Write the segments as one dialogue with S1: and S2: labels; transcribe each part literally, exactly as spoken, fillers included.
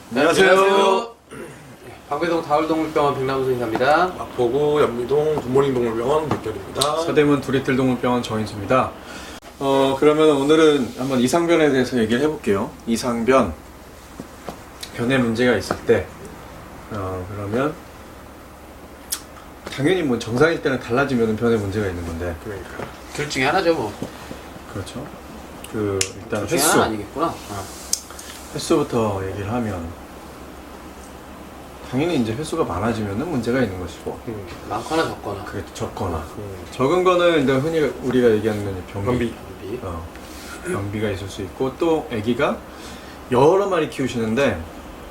S1: 안녕하세요.
S2: 안녕하세요. 방배동 다울동물병원 백남수 인사입니다.
S1: 마포구 연미동 굿모닝 동물병원 백결입니다.
S3: 서대문 두리틀 동물병원 정인수입니다. 어 그러면 오늘은 한번 이상변에 대해서 얘기를 해볼게요. 이상변 변에 문제가 있을 때 어, 그러면 당연히 뭐 정상일 때는 달라지면 변에 문제가 있는 건데
S1: 그러니까
S2: 둘 중에 하나죠, 뭐.
S3: 그렇죠. 그 일단
S2: 둘 중에
S3: 횟수
S2: 하나 아니겠구나. 어.
S3: 횟수부터 얘기를 하면 당연히 이제 횟수가 많아지면은 문제가 있는 것이고
S1: 음.
S2: 많거나 적거나.
S3: 그게 적거나
S1: 음.
S3: 적은 거는 일단 흔히 우리가 얘기하는 건 변비.
S1: 변비.
S2: 변비.
S3: 어, 변비가 있을 수 있고 또 아기가 여러 마리 키우시는데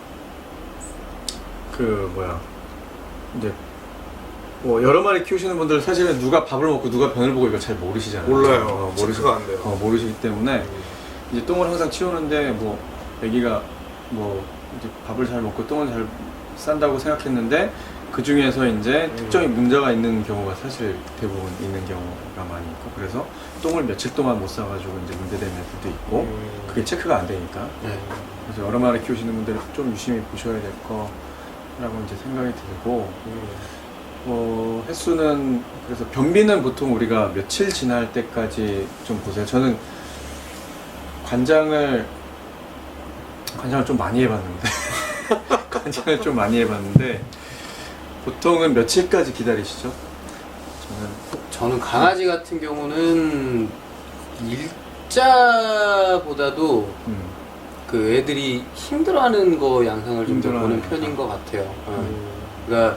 S3: 그 뭐야 이제 뭐 여러 마리 키우시는 분들 사실은 누가 밥을 먹고 누가 변을 보고 이걸 잘 모르시잖아요.
S1: 몰라요.
S3: 어,
S1: 체크가 안 돼요.
S3: 어, 모르시기 때문에
S1: 음.
S3: 이제 똥을 항상 치우는데 뭐 아기가 뭐 이제 밥을 잘 먹고 똥을 잘 싼다고 생각했는데 그 중에서 이제
S1: 음.
S3: 특정히 문제가 있는 경우가 사실 대부분 있는 경우가 많이 있고 그래서 똥을 며칠 동안 못 싸가지고 이제 문제되는 애들도 있고
S1: 음.
S3: 그게 체크가 안 되니까
S2: 네.
S3: 그래서 여러 마리 키우시는 분들은 좀 유심히 보셔야 될 거라고 이제 생각이 들고
S1: 음.
S3: 어, 횟수는 그래서 변비는 보통 우리가 며칠 지날 때까지 좀 보세요. 저는 관장을 관장을 좀 많이 해봤는데 관장을 좀 많이 해봤는데 보통은 며칠까지 기다리시죠? 저는
S2: 저는 강아지 같은 경우는 일자보다도
S3: 음,
S2: 그 애들이 힘들어하는 거 양상을 좀 더
S3: 힘들어하는
S2: 보는 편인 것 같아요. 어.
S1: 음.
S2: 그러니까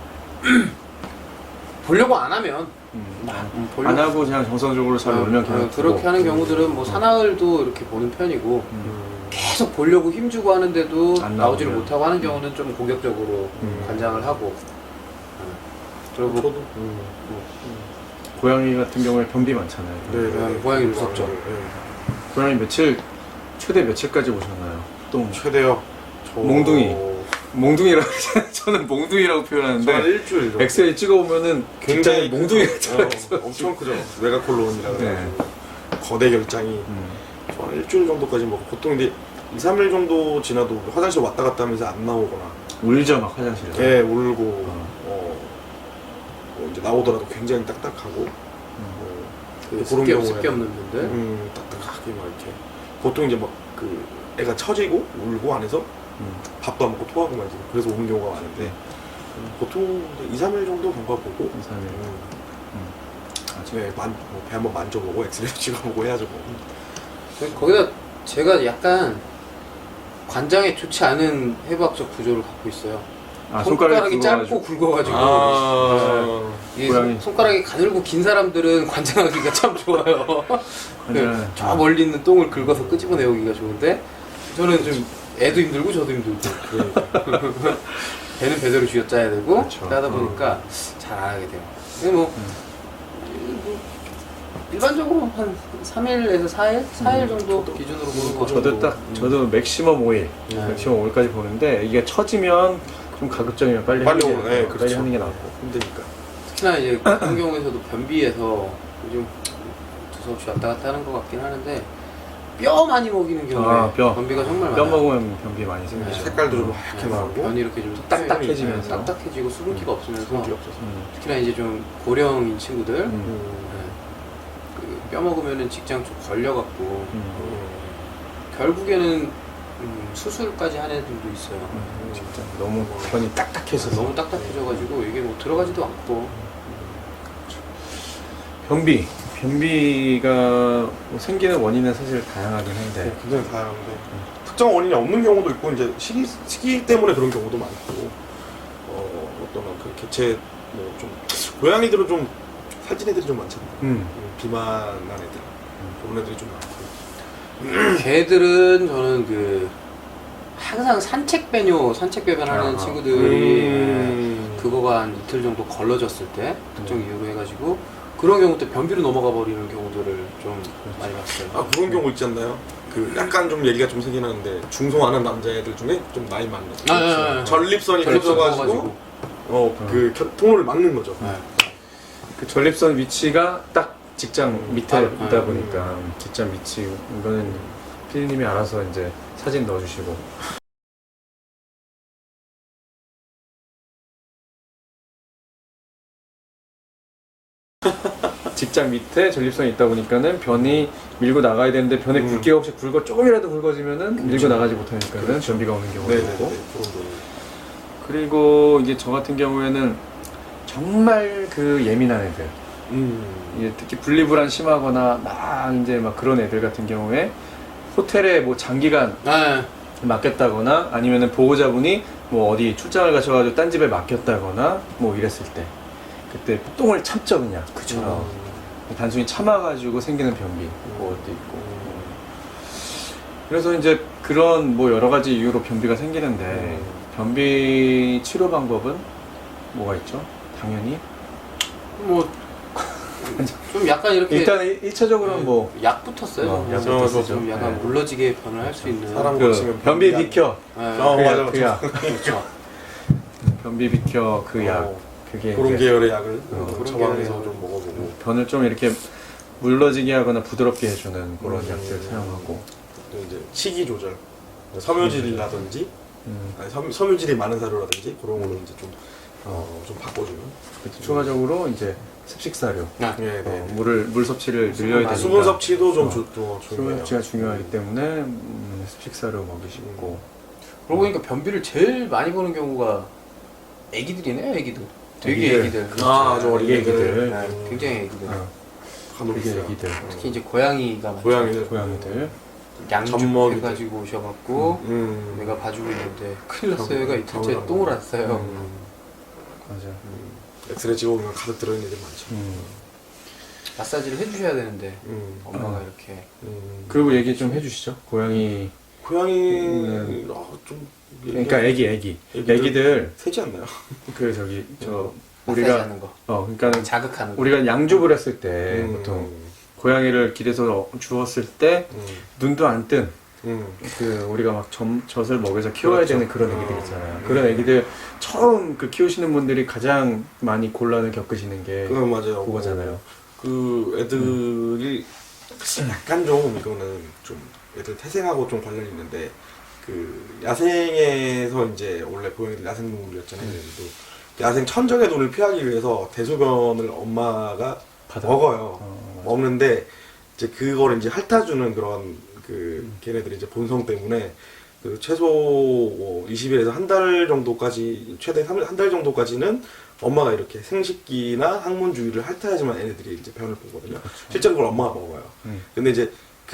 S2: 보려고 안 하면
S3: 음,
S2: 음, 보려고-
S3: 안 하고 그냥 정상적으로 잘
S2: 어,
S3: 놀면
S2: 어,
S3: 그냥
S2: 그렇게
S3: 두고.
S2: 하는 경우들은 뭐
S3: 음.
S2: 사나흘도 이렇게 보는 편이고
S3: 음,
S1: 음.
S2: 계속 보려고 힘주고 하는데도
S3: 안
S2: 나오지를
S3: 나오면.
S2: 못하고 하는 경우는 좀 공격적으로
S3: 음.
S2: 관장을 하고 어. 그리고
S1: 저도. 음.
S3: 고양이 같은 경우에 변비 많잖아요.
S1: 네, 네.
S2: 고양이 무섭죠.
S1: 네.
S3: 고양이 며칠 최대 며칠까지 보셨나요? 똥
S1: 최대요. 저...
S3: 몽둥이. 몽둥이라고 저는 몽둥이라고
S1: 저한
S3: 표현하는데
S1: 일주일 정도.
S3: 엑스레이 찍어보면은 굉장히 몽둥이
S1: 크죠.
S3: 같아요.
S1: 어, 엄청 크죠. 메가콜론이라고
S3: 네.
S1: 해가지고 거대 결장이
S3: 음,
S1: 저한 일주일 정도까지 먹고 보통 이제 이, 삼 일 정도 지나도 화장실 왔다 갔다 하면서 안 나오거나
S3: 울죠 막 화장실에서.
S1: 애 울고
S3: 어.
S1: 어, 뭐 이제 나오더라도 굉장히 딱딱하고
S3: 음.
S1: 어,
S2: 그
S1: 그런
S2: 습기,
S1: 경우에는
S2: 습기 없는 분들
S1: 음, 딱딱하게 막 이렇게 보통 이제 막 그 애가 처지고 울고 안에서
S3: 음.
S1: 밥도 안 먹고 토하고 말이지 그래서 오는 경우가 많은데
S3: 네.
S1: 음, 보통 이, 삼 일 정도 경과 보고
S3: 이, 삼 일.
S1: 음,
S3: 음.
S1: 네, 만, 뭐, 배 한번 만져보고 엑스레이 찍어보고 해야죠 뭐.
S2: 저- 거기다 제가 약간 관장에 좋지 않은 해부학적 구조를 갖고 있어요.
S3: 아,
S2: 손가락이
S3: 굵어가지고.
S2: 짧고 굵어가지고
S1: 아,
S2: 이게
S3: 고양이.
S2: 손- 손가락이 가늘고 긴 사람들은 관장하기가 참 좋아요.
S3: 관장은-
S2: 저 멀리 있는 똥을 긁어서 끄집어내오기가 좋은데 저는 좀 애도 힘들고 저도 힘들고 배는 배대로 쥐어짜야 되고
S3: 그렇죠.
S2: 그렇게 하다 보니까 잘 안 하게 돼요. 근데 뭐, 뭐 일반적으로 한 삼 일에서 사 일? 사 일 정도 기준으로 보는 거
S3: 저도 딱
S1: 음.
S3: 저도 맥시멈 오 일
S2: 네.
S3: 맥시멈 오 일까지 보는데 이게 처지면 좀 가급적이면 빨리
S1: 빨리
S3: 하는 게,
S1: 오면, 네,
S3: 어,
S1: 그렇죠.
S3: 빨리 하는 게 낫고.
S1: 힘드니까.
S2: 특히나 이제 그런 경우에서도 변비에서 요즘 두서없이 왔다 갔다 하는 것 같긴 하는데 뼈 많이 먹이는 경우에
S3: 아, 뼈.
S2: 변비가 정말
S3: 뼈
S2: 많아요.
S3: 먹으면 변비 많이 생기죠.
S2: 네.
S1: 색깔도 좀 하얗게
S2: 네,
S1: 나오고
S2: 변이 이렇게 좀
S3: 딱딱해지면서.
S2: 네, 딱딱해지고 수분기가 없으면서
S1: 손기 없어서.
S3: 음.
S2: 특히나 이제 좀 고령인 친구들
S3: 음.
S1: 음.
S2: 그 뼈 먹으면은 직장 좀 걸려갖고
S3: 음.
S1: 음.
S2: 결국에는 음, 수술까지 하는 애들도 있어요.
S3: 음, 진짜 너무 변이 딱딱해서
S2: 너무 딱딱해져가지고 이게 뭐 들어가지도 않고
S3: 변비 변비가 뭐 생기는 원인은 사실 다양하긴 한데
S1: 네, 굉장히 다양한데 특정 원인이 없는 경우도 있고 이제 시기, 시기 때문에 그런 경우도 많고 어, 어떤 그 개체 뭐 좀 고양이들은 좀 살찐 애들이 좀 많잖아요.
S3: 음.
S1: 음, 비만한 애들 그런 애들이 좀 많고
S2: 걔들은 저는 그 항상 산책 배뇨 산책 배변하는
S3: 아,
S2: 친구들이
S1: 음.
S2: 그거가 한 이틀 정도 걸러졌을 때 특정 이유로 해가지고 그런 경우 때 변비로 넘어가 버리는 경우들을 좀 많이 봤어요.
S1: 아 그런 경우 있지 않나요? 그 약간 좀 얘기가 좀 세긴 하는데 중성 안 한 남자애들 중에 좀 나이 많은
S2: 아, 아, 아, 아.
S1: 전립선이
S2: 전립선
S1: 걸쳐가지고
S2: 부어가지고.
S1: 어그 통로를 막는 거죠.
S2: 네.
S3: 그 전립선 위치가 딱 직장 밑에
S2: 아,
S3: 있다
S2: 아,
S3: 보니까 직장 위치 이거는 피디님이 알아서 이제 사진 넣어주시고 V자 밑에 전립선이 있다 보니까는 변이 밀고 나가야 되는데 변에
S1: 음.
S3: 굵기가 혹시 굵어 조금이라도 굵어지면은 밀고 나가지 못하니까는
S1: 그렇죠.
S3: 변비가 오는 경우도
S1: 네네네.
S3: 있고.
S1: 그런 거.
S3: 그리고 이제 저 같은 경우에는 정말 그 예민한 애들,
S1: 음.
S3: 이제 특히 분리불안 심하거나 막 이제 막 그런 애들 같은 경우에 호텔에 뭐 장기간
S2: 네.
S3: 맡겼다거나 아니면은 보호자분이 뭐 어디 출장을 가셔가지고 딴 집에 맡겼다거나 뭐 이랬을 때 그때 똥을 참죠 그냥.
S2: 그쵸.
S3: 어. 단순히 참아가지고 생기는 변비 그것도 있고. 그래서 이제 그런 뭐 여러 가지 이유로 변비가 생기는데 변비 치료 방법은 뭐가 있죠? 당연히
S2: 뭐 좀 약간 이렇게
S3: 일단 일 차적으로는
S2: 네,
S3: 뭐
S2: 약부터 써요.
S3: 어,
S2: 그냥.
S3: 약부터
S1: 쓰죠.
S2: 좀 약간
S3: 네.
S2: 물러지게 변을 할 수 있는
S1: 사람
S3: 그
S1: 고치면
S3: 변비
S1: 변비
S3: 비켜
S2: 네.
S1: 어,
S3: 그
S1: 맞아,
S3: 약, 그 약.
S2: 그렇죠.
S3: 변비 비켜 그 약
S1: 어,
S3: 그게
S1: 그런
S3: 이제
S1: 계열의 약을
S3: 어,
S1: 어,
S2: 그런
S1: 처방해서
S2: 계열의
S1: 좀 먹어보고
S3: 변을 좀 이렇게 물러지게 하거나 부드럽게 해주는 그런
S1: 음.
S3: 약들 사용하고.
S1: 또 이제 식이 조절, 섬유질이라든지
S3: 음.
S1: 아니, 섬, 섬유질이 많은 사료라든지 그런 걸로 이제 좀, 어, 좀 바꿔주면
S3: 추가적으로 이제 습식 사료,
S2: 아,
S1: 네, 네.
S3: 어, 물을 물 섭취를
S2: 수분
S3: 늘려야
S2: 많이-
S3: 되니까.
S1: 수분 섭취도 좀
S3: 어.
S1: 조, 좀
S3: 수분
S1: 중요해요.
S3: 섭취가 중요하기 때문에 음, 습식 사료 먹이시고.
S2: 그러고 보니까 변비를 제일 많이 보는 경우가 애기들이네요, 애기들. 되게
S3: 애기들.
S2: 애기들.
S1: 아, 아주 어린
S3: 이게
S1: 애기들.
S3: 애기들.
S2: 네, 굉장히 애기들.
S3: 어,
S1: 간혹
S3: 되게
S1: 있어요.
S3: 애기들.
S2: 특히 이제 고양이가 많죠.
S1: 고양이들.
S3: 고양이들.
S2: 양육
S1: 젖먹이들.
S2: 해가지고 오셔갖고
S1: 음.
S2: 내가 봐주고 있는데 큰일 났어요. 얘가 이틀째
S1: 병원에
S2: 똥을 안 싸요.
S1: 음.
S3: 맞아.
S1: 엑스레이 찍어보면 가득 들어있는 애들 많죠.
S3: 음.
S2: 마사지를 해주셔야 되는데
S1: 음.
S2: 엄마가
S3: 어.
S2: 이렇게
S1: 음.
S3: 그리고 얘기 좀 해주시죠. 고양이.
S1: 고양이는 아, 좀
S3: 그러니까 애기, 애기.
S1: 애기들.
S3: 애기들
S1: 세지 않나요?
S3: 그 저기 저
S2: 마사지
S3: 우리가
S2: 하는 거,
S3: 어 그러니까는
S2: 자극하는 거.
S3: 우리가 양육을 했을 때
S1: 음.
S3: 보통 고양이를 길에서 주웠을 때
S1: 음.
S3: 눈도 안 뜬
S1: 음.
S3: 그 우리가 막 점, 젖을 먹여서 키워야
S1: 그렇죠.
S3: 되는 그런
S1: 어.
S3: 애기들 있잖아요.
S1: 음.
S3: 그런 애기들 처음 그 키우시는 분들이 가장 많이 곤란을 겪으시는 게
S1: 그건 맞아요.
S3: 그거잖아요.
S1: 그 애들이 약간 좀 이거는 좀 애들 태생하고 좀 관련이 있는데 그 야생에서 이제 원래 고양이들 야생동물이었잖아요.
S3: 음.
S1: 얘들도 야생 천적의 눈을 피하기 위해서 대소변을 엄마가
S3: 받아.
S1: 먹어요.
S3: 어, 맞아.
S1: 먹는데 이제 그걸 이제 핥아주는 그런 그
S3: 음.
S1: 걔네들이 이제 본성 때문에 그 최소 뭐 이십 일에서 한 달 정도까지 최대 한 달 정도까지는 엄마가 이렇게 생식기나 항문 주위를 핥아야지만 애네들이 이제 변을 보거든요. 실제로 그걸 엄마가 먹어요.
S3: 음.
S1: 근데 이제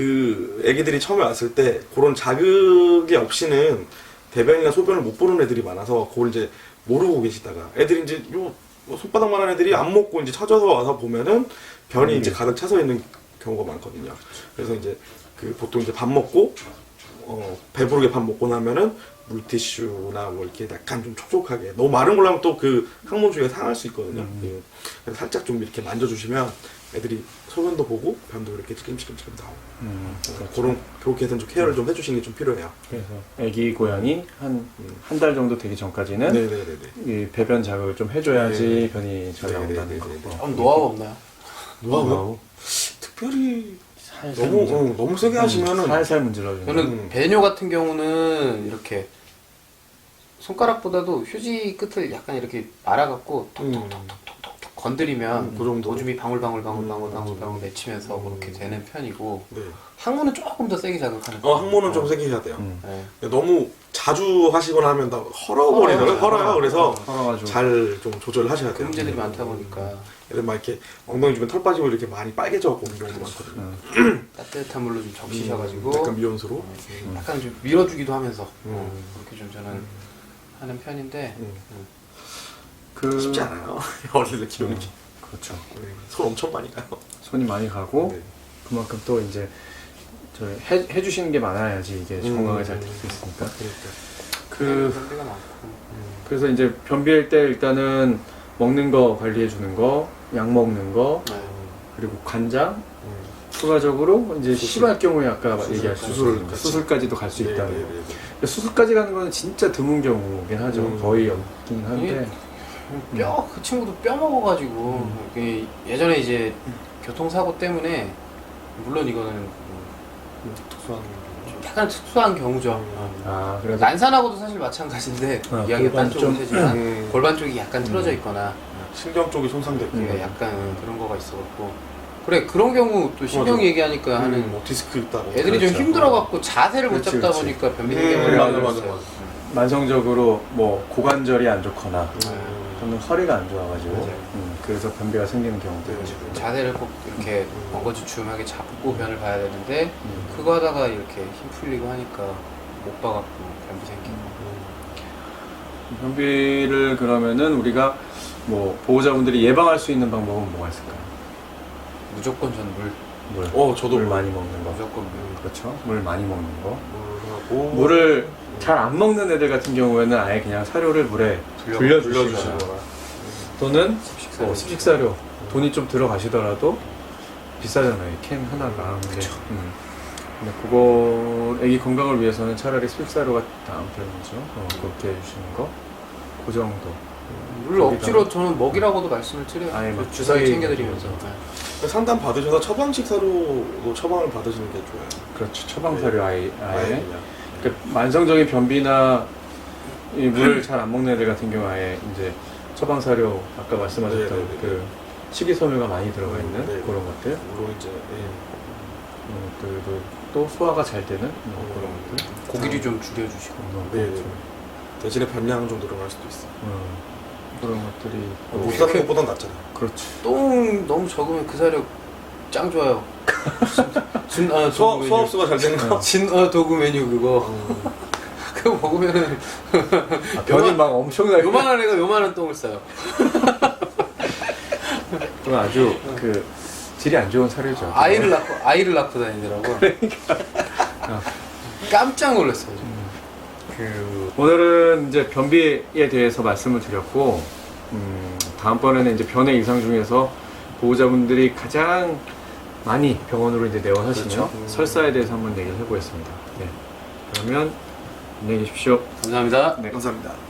S1: 그 애기들이 처음에 왔을 때 그런 자극이 없이는 대변이나 소변을 못 보는 애들이 많아서 그걸 이제 모르고 계시다가 애들이 이제 요 손바닥만한 애들이 안 먹고 이제 찾아서 와서 보면은 변이
S3: 음.
S1: 이제 가득 차서 있는 경우가 많거든요. 그래서 이제 그 보통 이제 밥 먹고 어 배부르게 밥 먹고 나면은 물티슈나 뭐 이렇게 약간 좀 촉촉하게 너무 마른 걸로 하면 또 그 항문 주위가 상할 수 있거든요.
S3: 음.
S1: 예. 그래서 살짝 좀 이렇게 만져주시면 애들이 소변도 보고 변도 이렇게 찔끔찔끔 나오고
S3: 음,
S1: 어, 그런 그렇게 해서 좀 케어를 좀 해주시는 게 좀 필요해요.
S3: 그래서 애기 고양이 한 한 달 정도 되기 전까지는
S1: 네네네네.
S3: 이 배변 자극을 좀 해줘야지
S1: 네.
S3: 변이 잘
S1: 네,
S3: 나온다는
S1: 네,
S3: 거.
S1: 네, 네.
S2: 좀 노하우 없나요?
S1: 노하우? 특별히
S3: 살살
S1: 너무
S3: 문질러-
S1: 어, 너무 세게 하시면은
S3: 살살 문질러주는.
S2: 저는
S1: 음.
S2: 배뇨 같은 경우는 이렇게 손가락보다도 휴지 끝을 약간 이렇게 말아갖고
S1: 음.
S2: 톡톡톡톡톡톡 건드리면
S1: 음, 그 정도?
S2: 오줌이 방울방울 방울방울
S1: 음,
S2: 방울방울 맺히면서
S1: 음.
S2: 그렇게 되는 편이고
S1: 네.
S2: 항문은 조금 더 세게 자극하는
S1: 어 항문은
S2: 어.
S1: 좀 세게 해야 돼요.
S3: 음.
S2: 네.
S1: 너무 자주 하시거나 하면 다 헐어버리더라고요.
S2: 헐어요.
S1: 헐어요. 그래서
S3: 헐어가지고.
S1: 잘 좀 조절을 하셔야
S2: 그
S1: 돼요.
S2: 문제들이 많다 보니까
S1: 애들 막 이렇게 엉덩이 주변 털 빠지고 이렇게 많이 빨개져갖고 오는 경우도 많거든요.
S3: 음.
S2: 따뜻한 물로 좀 적시셔가지고
S1: 음, 약간 미온수로.
S2: 음, 약간 좀 밀어주기도 하면서
S1: 음.
S2: 어, 그렇게 좀 저는 하는 편인데
S1: 음.
S3: 그
S1: 쉽지 않아요. 어린이들 키우는 게.
S3: 그렇죠.
S1: 네. 손 엄청 많이 가요.
S3: 손이 많이 가고
S1: 네.
S3: 그만큼 또 이제 저 해, 해주시는 게 많아야지 이게
S1: 음.
S3: 건강에 잘 될 수 있으니까.
S1: 그러니까.
S3: 그
S2: 그런 데가 많고
S3: 그래서 이제 변비일 때 일단은 먹는 거 관리해 주는 거, 약 먹는 거,
S2: 네.
S3: 그리고 관장,
S1: 음.
S3: 추가적으로 이제
S1: 수술.
S3: 심할 경우에 아까
S1: 수술,
S3: 얘기하신
S1: 수술을
S3: 수술,
S1: 같이.
S3: 수술까지도 갈 수
S1: 네,
S3: 있다는
S1: 네,
S3: 거.
S1: 네, 네.
S3: 근데 수술까지 가는 거는 진짜 드문 경우긴 하죠.
S1: 음.
S3: 거의 없긴 한데.
S2: 뼈 그 친구도 뼈 먹어가지고 그 예전에 이제 교통사고 때문에 물론 이거는
S1: 음, 특수한
S2: 좀 약간 특수한 경우죠. 어.
S3: 아 그래서
S2: 난산하고도 사실 마찬가지인데
S3: 어,
S2: 이야기가 딴
S3: 골반
S2: 쪽으로
S3: 좀-
S2: 되지만
S1: 음.
S2: 골반 쪽이 약간 틀어져 있거나
S1: 신경 쪽이 손상됐고.
S2: 예,
S3: 음.
S2: 약간 그런 거가 있어갖고 그래 그런 경우 또 신경
S1: 맞아.
S2: 얘기하니까 하는
S1: 뭐 디스크 있다고.
S2: 애들이
S3: 그렇죠.
S2: 좀 힘들어갖고 자세를 못
S3: 그렇지,
S2: 잡다
S3: 그렇지.
S2: 보니까 변비
S1: 음,
S2: 생기는
S1: 맞아,
S2: 경우가
S1: 맞아,
S2: 있어요.
S1: 맞아.
S3: 만성적으로 뭐 고관절이 안 좋거나
S1: 음.
S3: 또는 허리가 안 좋아가지고
S2: 맞아요.
S3: 음, 그래서 변비가 생기는 경우도
S1: 네,
S3: 있죠.
S2: 자세를 꼭 이렇게 엉거주춤하게 잡고 변을 봐야 되는데
S3: 음.
S2: 그거 하다가 이렇게 힘 풀리고 하니까 못 봐갖고 변비 생기고.
S3: 변비를 그러면은 우리가 뭐 보호자분들이 예방할 수 있는 방법은 뭐가 있을까요?
S2: 무조건 전 물,
S3: 물.
S1: 어, 저도
S3: 물
S1: 물.
S3: 많이 먹는 거.
S2: 무조건 물.
S3: 그렇죠. 물 많이 먹는 거.
S1: 물하고
S3: 물을 잘 안 먹는 애들 같은 경우에는 아예 그냥 사료를 물에
S2: 돌려-
S3: 불려주시거나
S1: 불려주시거나.
S3: 또는
S2: 습식사료.
S3: 뭐 습식사료 돈이 좀 들어가시더라도 비싸잖아요. 이 캔 하나가. 근데, 음. 근데 그거 애기 건강을 위해서는 차라리 습식사료가 다음 편이죠. 어, 그렇게 해주시는 거. 그 정도.
S2: 물 억지로 저는 먹이라고도 말씀을 드려요.
S3: 아예 막
S2: 주사위
S3: 주사위
S2: 챙겨드리면서. 네.
S1: 상담 받으셔서 처방식 사료로 처방을 받으시는 게 좋아요.
S3: 그렇죠. 처방사료 아예.
S1: 아예
S3: 아예.
S1: 그냥.
S3: 그 만성적인 변비나 이 물을 잘 안 먹는 애들 같은 경우 아예 이제 처방사료 아까 말씀하셨던
S1: 네, 네, 네.
S3: 그 식이섬유가 많이 들어가 있는
S1: 네.
S3: 그런 것들
S1: 물론 이제 예.
S3: 음, 그리고 또 소화가 잘 되는 뭐 그런 것들
S2: 고기를 좀 줄여주시고.
S3: 음,
S1: 네,
S3: 그렇죠.
S1: 네. 대신에 분량 좀 늘어날 수도 있어.
S3: 음, 그런 것들이 또
S1: 못 사는 것보단 낫잖아.
S3: 그렇지.
S2: 똥 너무 적으면 그 사료 짱 좋아요. 진, 아,
S1: 소화,
S2: 도구 메뉴.
S1: 소화흡수가 잘 되는 거.
S2: 진, 어, 도구 메뉴 그거.
S1: 음.
S2: 그거 먹으면은
S3: 아, 변이 막 엄청나게
S2: 요만한 애가 요만한 똥을 싸요.
S3: 그건 아주 그 질이 안 좋은 사료죠.
S2: 아이를 낳고 아이를 낳고 다니더라고.
S3: 어.
S2: 깜짝 놀랐어요. 저.
S3: 그 오늘은 이제 변비에 대해서 말씀을 드렸고 음, 다음번에는 이제 변의 이상 중에서 보호자분들이 가장 많이 병원으로 이제 내원하시는
S1: 그렇죠.
S3: 설사에 대해서 한번 얘기를 해보겠습니다. 네. 그러면 안녕히 계십시오.
S2: 감사합니다.
S3: 네.
S1: 감사합니다.